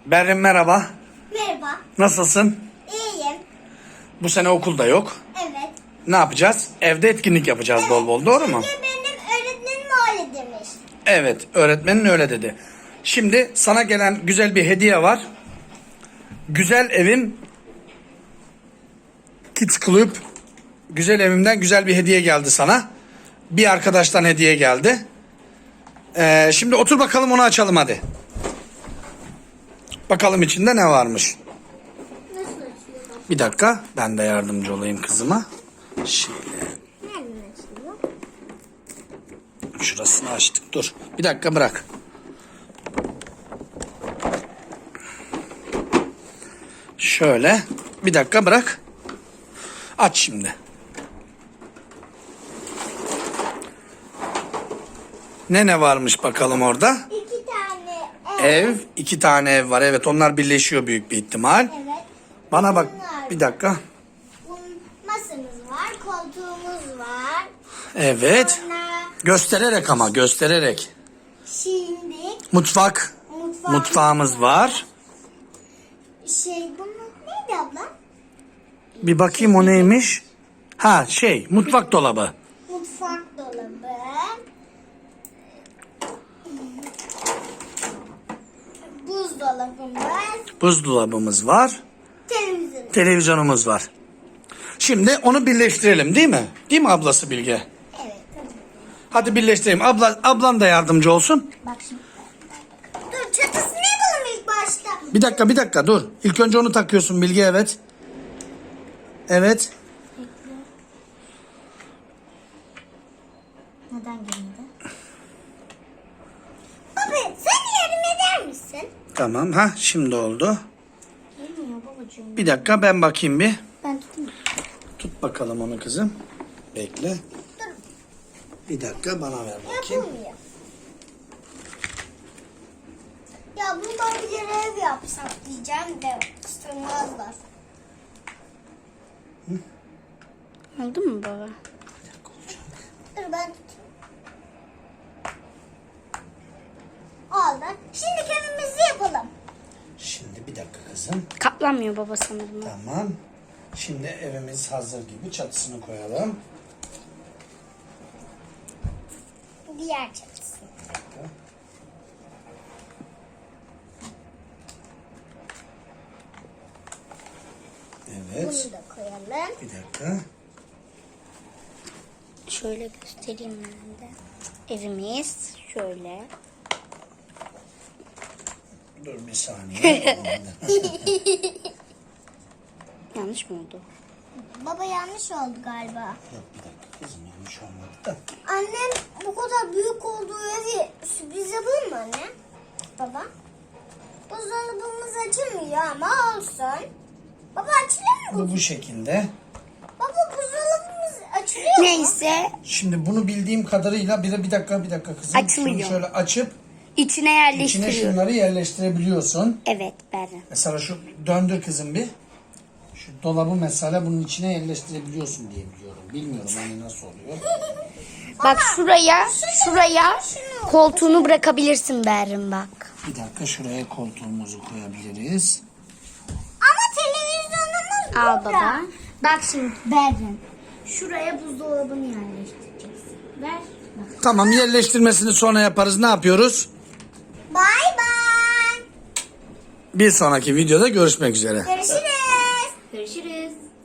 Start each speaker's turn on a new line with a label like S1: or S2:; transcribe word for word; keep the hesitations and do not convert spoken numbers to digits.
S1: Berrin merhaba.
S2: Merhaba.
S1: Nasılsın?
S2: İyiyim.
S1: Bu sene okulda yok.
S2: Evet.
S1: Ne yapacağız? Evde etkinlik yapacağız bol bol, doğru mu?
S2: Çünkü benim öğretmenim öyle demiş.
S1: Evet, öğretmenin öyle dedi. Şimdi sana gelen güzel bir hediye var. Güzel Evim Kids Club. Güzel Evim'den güzel bir hediye geldi sana. Bir arkadaştan hediye geldi. Ee, şimdi otur bakalım, onu açalım hadi. Bakalım içinde ne varmış.
S2: Nasıl açılıyor?
S1: Bir dakika, ben de yardımcı olayım kızıma. Şöyle.
S2: Nereden açılıyor?
S1: Şurasını açtık, dur. Bir dakika bırak. Şöyle. Bir dakika bırak. Aç şimdi. Ne ne varmış bakalım orada?
S2: İki tane ev.
S1: Ev. iki tane ev var. Evet, onlar birleşiyor büyük bir ihtimal.
S2: Evet.
S1: Bana bak.
S2: Bunlar.
S1: Bir dakika.
S2: Bunun masamız var, koltuğumuz var.
S1: Evet.
S2: Sonra
S1: Göstererek ama göstererek.
S2: şimdi
S1: Mutfak.
S2: mutfağımız,
S1: Mutfağımız var.
S2: Şey bunun neydi abla?
S1: Bir bakayım o neymiş. Ha şey, mutfak dolabı.
S2: Mutfak dolabı. Buzdolabımız.
S1: Buzdolabımız var.
S2: Televizyon.
S1: Televizyonumuz var. Şimdi onu birleştirelim, değil mi? Değil mi ablası Bilge?
S2: Evet. Tabii.
S1: Hadi birleştirelim. Abla, ablan da yardımcı olsun.
S2: Bak şimdi. Dur çatısını yapalım ilk başta.
S1: Bir dakika bir dakika dur. İlk önce onu takıyorsun Bilge, evet. Evet.
S2: Neden gelmedi? Baba sen yardım eder misin?
S1: Tamam, ha şimdi oldu.
S2: Gelmiyor babacığım.
S1: Bir dakika ben bakayım bir.
S2: Ben tutayım.
S1: Tut bakalım onu kızım. Bekle.
S2: Dur.
S1: Bir dakika bana ver bakayım.
S2: Yapılmıyor. Ya bundan bir görev yapsak diyeceğim de sığmazlar.
S3: Oldu mu baba?
S1: Bir dakika olacak.
S2: Dur ben tutayım. Oldu. Şimdi evimizi yapalım.
S1: Şimdi bir dakika kızım.
S3: Katlanmıyor baba sanırım.
S1: Tamam. Şimdi evimiz hazır gibi, çatısını koyalım.
S2: Diğer çatısı.
S1: Bir dakika. Evet.
S2: Bunu da koyalım.
S1: Bir dakika.
S3: Şöyle göstereyim ben de. Evimiz şöyle.
S1: Dur bir saniye.
S3: Yanlış mı oldu?
S2: Baba yanlış oldu galiba.
S1: Yok bir dakika kızım, yanlış olmadı da.
S2: Annem bu kadar büyük olduğu evi sürpriz yapalım mı anne? Baba. Buzdolabımız açılmıyor ama olsun. Baba açılıyor mu?
S1: Bu bu şekilde.
S2: Baba buzdolabımız açılıyor mu?
S3: Neyse
S1: Şimdi bunu bildiğim kadarıyla bir de bir dakika bir dakika kızım.
S3: Açılıyor.
S1: Şunu şöyle açıp
S3: içine
S1: içine
S3: yerleştiriyor.
S1: şunları yerleştirebiliyorsun.
S3: Evet Berra.
S1: Mesela şu döndür kızım bir. Şu dolabı mesela bunun içine yerleştirebiliyorsun diye biliyorum. Bilmiyorum hani nasıl oluyor.
S3: Bak şuraya, şuraya koltuğunu bırakabilirsin Berrin bak.
S1: Bir dakika şuraya koltuğumuzu koyabiliriz.
S2: Ama televizyonumuz
S3: Al
S2: burada.
S3: baba. Bak şimdi Berrin. Şuraya buzdolabını yerleştireceksin. Ver. Bak.
S1: Tamam, yerleştirmesini sonra yaparız. Ne yapıyoruz?
S2: Bay bay.
S1: Bir sonraki videoda görüşmek üzere.
S2: Görüşürüz.
S3: Görüşürüz.